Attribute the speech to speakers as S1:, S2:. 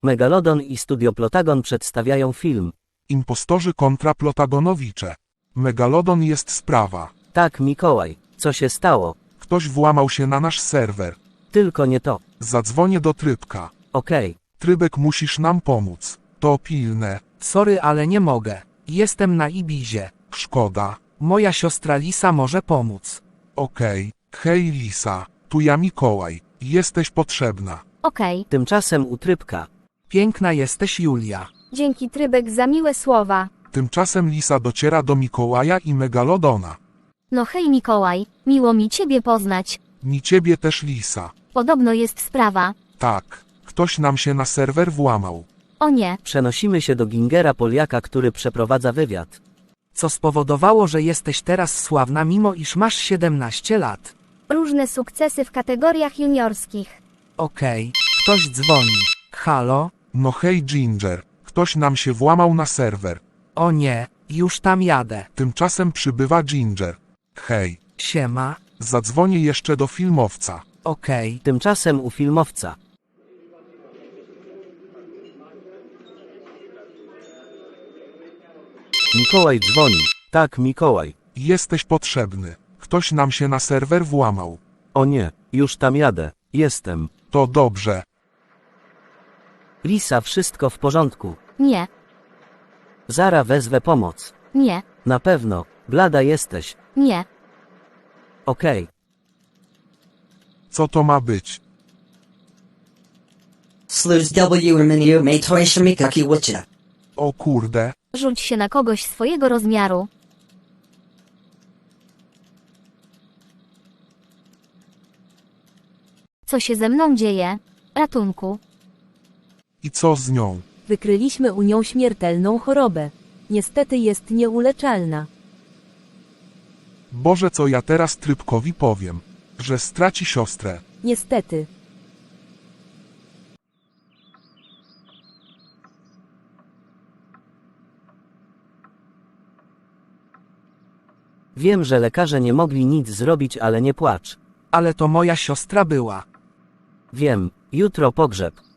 S1: Megalodon i Studio Plotagon przedstawiają film.
S2: Impostorzy kontra Plotagonowicze. Megalodon jest sprawa.
S1: Tak, Mikołaj, co się stało?
S2: Ktoś włamał się na nasz serwer.
S1: Tylko nie to.
S2: Zadzwonię do Trybka.
S1: Okej.
S2: Trybek, musisz nam pomóc. To pilne.
S3: Sorry, ale nie mogę. Jestem na Ibizie.
S2: Szkoda.
S3: Moja siostra Lisa może pomóc.
S2: Okej. Hej Lisa, tu ja Mikołaj. Jesteś potrzebna.
S4: Okej,
S1: Tymczasem u Trybka.
S3: Piękna jesteś, Julia.
S4: dzięki Trybek za miłe słowa.
S2: Tymczasem Lisa dociera do Mikołaja i Megalodona.
S4: No hej Mikołaj, miło mi ciebie poznać.
S2: Mi ciebie też, Lisa.
S4: Podobno jest sprawa.
S2: Tak. Ktoś nam się na serwer włamał.
S4: O nie,
S1: Przenosimy się do Gingera Poliaka, który przeprowadza wywiad.
S3: Co spowodowało, że jesteś teraz sławna, mimo iż masz 17 lat.
S4: różne sukcesy w kategoriach juniorskich.
S3: Okej, ktoś dzwoni. Halo?
S2: No hej Ginger. Ktoś nam się włamał na serwer.
S3: O nie, już tam jadę.
S2: Tymczasem przybywa Ginger. Hej.
S3: Siema.
S2: Zadzwonię jeszcze do filmowca.
S3: Okej.
S1: Tymczasem u filmowca. Mikołaj dzwoni. Tak, Mikołaj.
S2: Jesteś potrzebny. Ktoś nam się na serwer włamał.
S1: O nie, już tam jadę. Jestem.
S2: To dobrze.
S1: Lisa, wszystko w porządku.
S4: Nie,
S1: Zara, wezwę pomoc.
S4: nie,
S1: Na pewno. Blada jesteś.
S4: nie.
S1: Okej.
S2: Co to ma być?
S5: Sluz W Reminiu May Toishimikaki Witcha.
S2: O kurde.
S4: Rzuć się na kogoś swojego rozmiaru. Co się ze mną dzieje? Ratunku.
S2: I co z nią?
S6: Wykryliśmy u nią śmiertelną chorobę. Niestety jest nieuleczalna.
S2: Boże, co ja teraz Trybkowi powiem? Że straci siostrę.
S6: Niestety.
S1: Wiem, że lekarze nie mogli nic zrobić, ale nie płacz.
S3: Ale to moja siostra była.
S1: Wiem, jutro pogrzeb.